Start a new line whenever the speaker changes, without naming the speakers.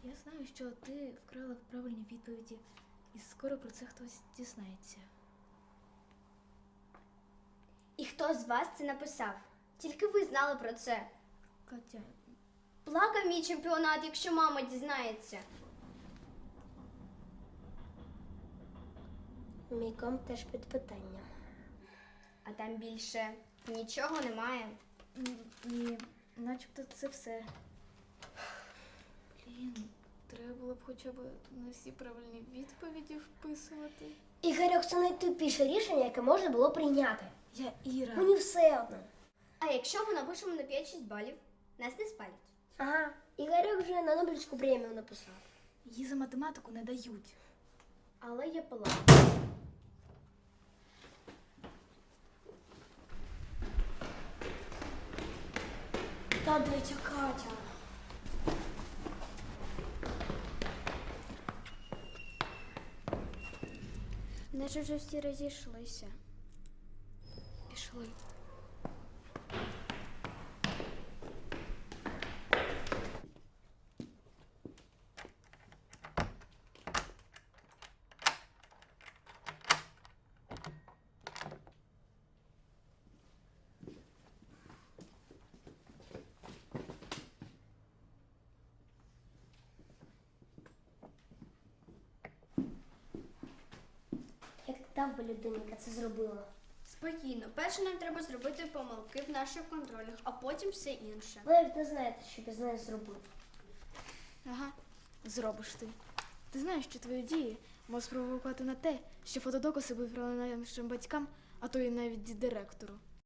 Я знаю, що ти вкрала правильні відповіді, і скоро про це хтось дізнається.
І хто з вас це написав? Тільки ви знали про це.
Катя,
Плакав мій чемпіонат, якщо мама дізнається.
Мій комп теж під питанням.
А там більше нічого немає.
ні, начебто це все. Блін, треба було б хоча б не всі правильні відповіді вписувати.
Ігорьок, це найтупіше рішення, яке можна було прийняти.
Я Іра.
Мені все одно.
А якщо ми напишемо на 5-6 балів, нас не спалять.
Ага, Ігорьок вже на Нобелівську премію написав.
Її за математику не дають.
Але є план.
Та де ця Катя?
Наче вже всі розійшлися.
Пішли.
Як дав би людині, яка це зробила?
Спокійно. Перше нам треба зробити помилки в наших контролях, а потім все інше.
Ви навіть не знаєте, що без неї зробив.
Ага, зробиш ти. Ти знаєш, що твої дії можуть спровокувати на те, що фотодокази виправили нашим батькам, а то і навіть директору.